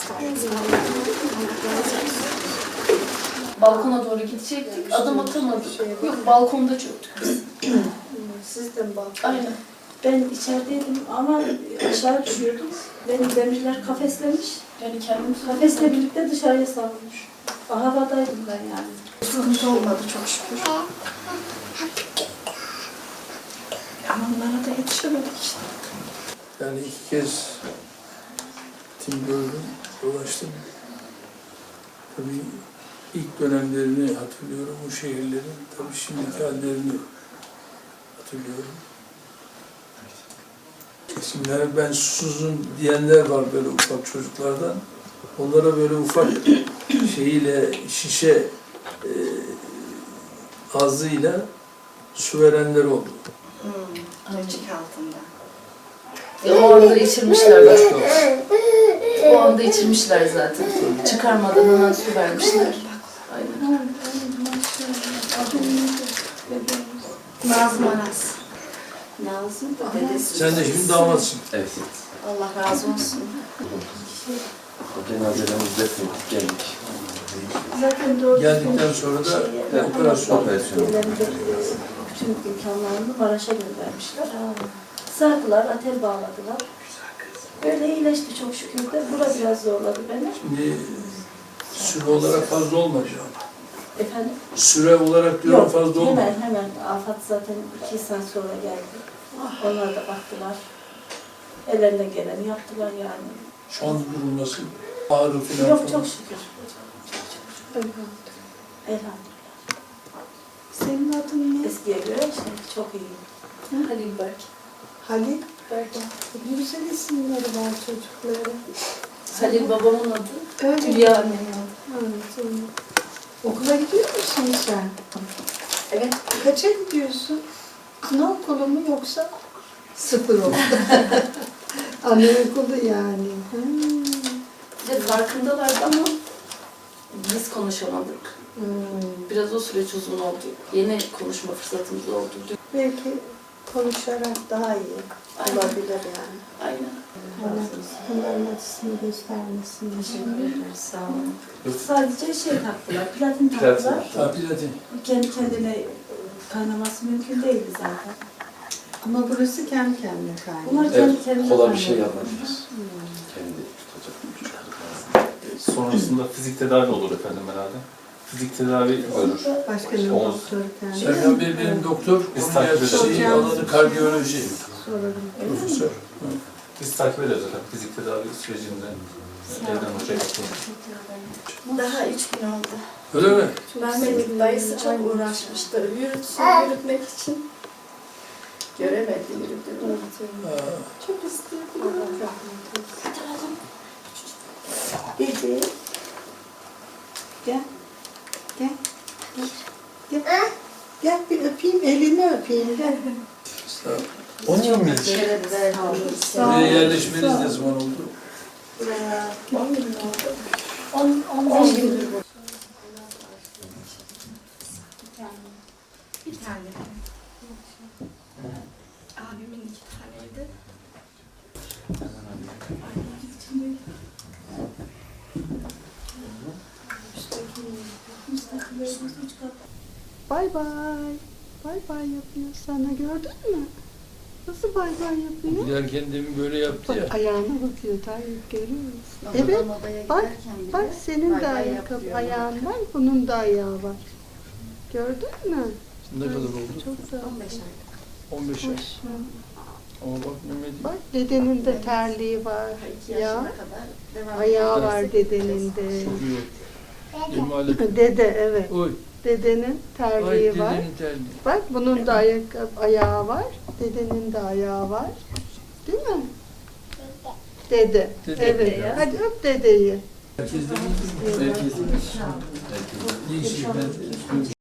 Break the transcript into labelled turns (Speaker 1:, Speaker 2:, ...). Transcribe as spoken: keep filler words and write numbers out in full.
Speaker 1: Balkona doğru gidecektik, adım atamadık. Yok, balkonda çöktük biz.
Speaker 2: Siz de mi balkon?
Speaker 1: Aynen.
Speaker 2: Ben içerideydim ama aşağı düşüyordum. Beni demirler kafeslemiş.
Speaker 1: Yani kendimiz
Speaker 2: Kafesle birlikte dışarıya savrulmuş. Havadaydım ben yani.
Speaker 1: sıkıntı olmadı çok şükür. Ama onlara da yetişemedik işte.
Speaker 3: Yani iki kez tim gördüm, dolaştım. Tabii ilk dönemlerini hatırlıyorum, bu şehirlerin. Tabii şimdiki hallerini hatırlıyorum. Şimdi yani ben susuzum diyenler var böyle ufak çocuklardan. Onlara böyle ufak şeyiyle, şişe e, ağzıyla su verenler oldu.
Speaker 4: Hmm, Ölçük altında.
Speaker 1: Ya, o anda içirmişler bak. O anda içirmişler zaten. Çıkarmadan hemen su vermişler. Aynen.
Speaker 4: Nazım Aras. Nazım da dedesi.
Speaker 3: Sen de şimdi damatsın.
Speaker 5: Evet.
Speaker 4: Allah razı olsun.
Speaker 5: Cenazelerimizi defnettik, geldik.
Speaker 2: Zaten doğru
Speaker 3: Geldikten sonra da operasyon.
Speaker 5: Operasyon.
Speaker 2: Bütün imkanlarını Maraş'a göndermişler. Sardılar, atel bağladılar. Böyle iyileşti çok şükür de. Bura biraz zorladı beni.
Speaker 3: Şimdi süre olarak fazla olmadı ama.
Speaker 2: Efendim?
Speaker 3: Süre olarak diyorum
Speaker 2: Yok,
Speaker 3: fazla olmadı.
Speaker 2: hemen hemen. Afat zaten iki saat sonra geldi. Onlar da baktılar. Ellerinden geleni yaptılar yani.
Speaker 3: Şu an durum nasıl? Ağrı falan
Speaker 2: Yok
Speaker 3: falan.
Speaker 2: çok şükür. Elhamdülillah.
Speaker 6: Senin adın ne?
Speaker 2: Eskiye göre şimdi çok iyi.
Speaker 1: Halil Berk.
Speaker 6: Halil.
Speaker 2: Berk.
Speaker 6: Ne güzel isimleri var çocukların.
Speaker 1: Halil babamın adı.
Speaker 6: Öyle.
Speaker 1: Hülya annemin adı.
Speaker 6: Evet, öyle. Okula gidiyor musun sen?
Speaker 4: Evet.
Speaker 6: Kaça gidiyorsun? Anaokulu mu yoksa sıfır okul? Anaokulu yani. Hmm.
Speaker 1: Bir de farkındalardı ama biz konuşamadık.
Speaker 6: Hmm.
Speaker 1: Biraz o süreç uzun oldu. Yeni konuşma fırsatımız oldu.
Speaker 6: Belki konuşarak daha iyi
Speaker 1: Aynen.
Speaker 6: olabilir yani.
Speaker 1: Aynen.
Speaker 6: Onların acısını göstermesin.
Speaker 4: Teşekkür ederiz. Sağ olun.
Speaker 2: Sadece şey taktılar, platin taktılar.
Speaker 3: Ha, platin.
Speaker 2: Kendi kendine kaynaması mümkün değildi zaten.
Speaker 6: Ama burası kendi kendine kaynıyor.
Speaker 2: Bunlar kendi kendine
Speaker 5: Kola bir şey
Speaker 2: kaynıyor.
Speaker 5: yapmamışız. Kendi tutacak.
Speaker 7: Sonrasında fizik tedavi olur efendim herhalde. Fizik tedavi görür.
Speaker 6: Başkanın
Speaker 7: Omuz.
Speaker 6: doktoru kendi.
Speaker 3: Serkan Bey benim doktor,
Speaker 7: Biz
Speaker 3: onun
Speaker 7: takip
Speaker 3: gerçeği
Speaker 6: ederiz.
Speaker 3: alanı kardiyoloji.
Speaker 6: Sorarım.
Speaker 3: Profesör.
Speaker 7: Biz takip ederiz efendim fizik tedavi sürecinde. Evden hocaya bakıyoruz.
Speaker 4: Daha üç gün oldu.
Speaker 3: Öyle mi?
Speaker 4: Rahmetli dayısı çok uğraşmıştı. Yürütsün, yürütmek için. Göremedi yürüdüğünü.
Speaker 3: Ha.
Speaker 4: Çok istiyordu. Dedi.
Speaker 6: Gel. Gel. Gel. Gel bir öpeyim, elini öpeyim. Gel.
Speaker 3: Sağ ol.
Speaker 5: Onun mu?
Speaker 3: Buraya yerleşmeniz ne zaman oldu?
Speaker 2: On, on beş gündür bu.
Speaker 4: Bir tane. Abimin iki taneydi.
Speaker 6: Bay bay. Bay bay yapıyor sana, gördün mü? Nasıl bay bay yapıyor?
Speaker 3: Giderken demin böyle yaptı ya.
Speaker 6: Bak ayağına bakıyor, Tayyip görüyor musun?
Speaker 4: Babadan
Speaker 6: Evet,
Speaker 4: odaya
Speaker 6: bak,
Speaker 4: giderken bile
Speaker 6: bak senin
Speaker 4: bay
Speaker 6: de
Speaker 4: bay
Speaker 6: ayakkabı,
Speaker 4: yapıyor.
Speaker 6: ayağın var, bunun da ayağı var. Gördün mü?
Speaker 3: Ne kadar oldu?
Speaker 6: Çok da
Speaker 4: on beş ay.
Speaker 3: on beş ay.
Speaker 6: hoş.
Speaker 3: Ama bak Mehmet.
Speaker 6: Bak dedenin de terliği var.
Speaker 4: iki yaşına
Speaker 6: Ya,
Speaker 4: kadar devam
Speaker 6: ayağı
Speaker 4: ediyor.
Speaker 6: var dedenin de.
Speaker 3: Çok iyi oldu. Benim halim.
Speaker 6: Dede evet.
Speaker 3: Oy.
Speaker 6: Dedenin
Speaker 3: Ay
Speaker 6: terliği var.
Speaker 3: dedenin terliği.
Speaker 6: Bak bunun da ayakkabı, ayağı var. Dedenin de ayağı var. Değil mi? Dede.
Speaker 3: Dede.
Speaker 6: Evet.
Speaker 1: ya.
Speaker 6: Hadi öp dedeyi.
Speaker 3: Herkes de bildi mi? Herkes de. Ne işi ben